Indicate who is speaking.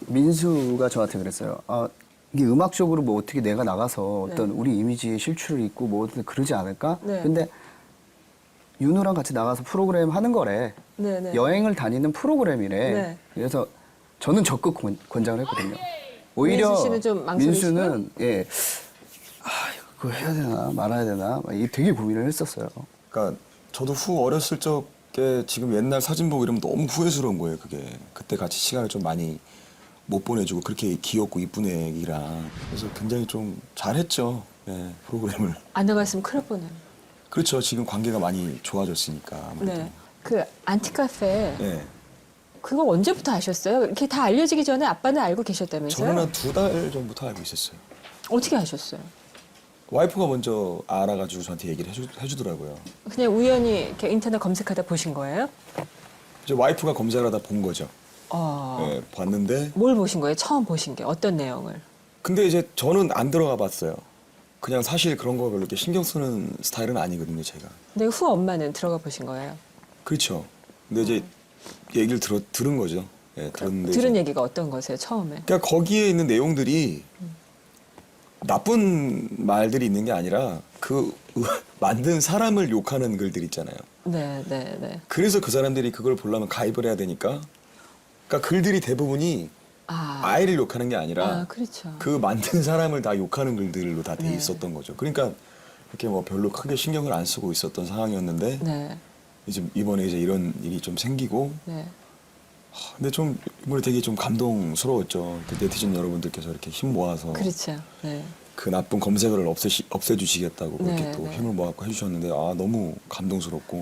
Speaker 1: 민수가 저한테 그랬어요. 아, 이게 음악적으로 뭐 어떻게 내가 나가서
Speaker 2: 네.
Speaker 1: 어떤 우리 이미지의 실추를 입고 뭐 어떤 그러지 않을까?
Speaker 2: 네.
Speaker 1: 근데 윤우랑 같이 나가서 프로그램 하는 거래.
Speaker 2: 네네.
Speaker 1: 여행을 다니는 프로그램이래.
Speaker 2: 네.
Speaker 1: 그래서 저는 적극 권장을 했거든요. 오히려
Speaker 2: 민수 씨는 좀 망설이시고요?
Speaker 1: 민수는 예, 아 이거 그거 해야 되나 말아야 되나 막 이게 되게 고민을 했었어요.
Speaker 3: 그러니까 저도 후 어렸을 적에 지금 옛날 사진 보고 이러면 너무 후회스러운 거예요. 그게 그때 같이 시간을 좀 많이 못 보내주고 그렇게 귀엽고 이쁜 애기랑 그래서 굉장히 좀 잘했죠. 예, 프로그램을.
Speaker 2: 안 나갔으면 큰일 날 뻔해요.
Speaker 3: 그렇죠. 지금 관계가 많이 좋아졌으니까. 아무래도.
Speaker 2: 네. 그 안티카페
Speaker 3: 예.
Speaker 2: 그거 언제부터 아셨어요? 이렇게 다 알려지기 전에 아빠는 알고 계셨다면서요?
Speaker 3: 저는 한 2달 전부터 알고 있었어요.
Speaker 2: 어떻게 아셨어요?
Speaker 3: 와이프가 먼저 알아가지고 저한테 얘기를 해주더라고요.
Speaker 2: 그냥 우연히 이렇게 인터넷 검색하다 보신 거예요?
Speaker 3: 이제 와이프가 검색을 하다 본 거죠. 예, 봤는데
Speaker 2: 뭘 보신 거예요? 처음 보신 게 어떤 내용을?
Speaker 3: 근데 이제 저는 안 들어가 봤어요. 그냥 사실 그런 거 별로 이렇게 신경 쓰는 스타일은 아니거든요, 제가.
Speaker 2: 근데 후 엄마는 들어가 보신 거예요?
Speaker 3: 그렇죠. 근데 이제 얘기를 들은 거죠. 예, 들었는데
Speaker 2: 들은
Speaker 3: 이제
Speaker 2: 얘기가 어떤 거세요? 처음에?
Speaker 3: 그러니까 거기에 있는 내용들이 나쁜 말들이 있는 게 아니라 그 만든 사람을 욕하는 글들 있잖아요.
Speaker 2: 네, 네, 네.
Speaker 3: 그래서 그 사람들이 그걸 보려면 가입을 해야 되니까 그러니까 글들이 대부분이 아이를 욕하는 게 아니라
Speaker 2: 그렇죠.
Speaker 3: 그 만든 사람을 다 욕하는 글들로 다 돼
Speaker 2: 네.
Speaker 3: 있었던 거죠. 그러니까 이렇게 뭐 별로 크게 신경을 안 쓰고 있었던 상황이었는데
Speaker 2: 네,
Speaker 3: 이제 이번에 이제 이런 일이 좀 생기고
Speaker 2: 네.
Speaker 3: 근데 좀 이번에 되게 좀 감동스러웠죠. 그 네티즌 여러분들께서 이렇게 힘 모아서
Speaker 2: 그렇죠. 네.
Speaker 3: 그 나쁜 검색어를 없애주시겠다고 그렇게
Speaker 2: 네,
Speaker 3: 또
Speaker 2: 네.
Speaker 3: 힘을 모아서 해주셨는데 아 너무 감동스럽고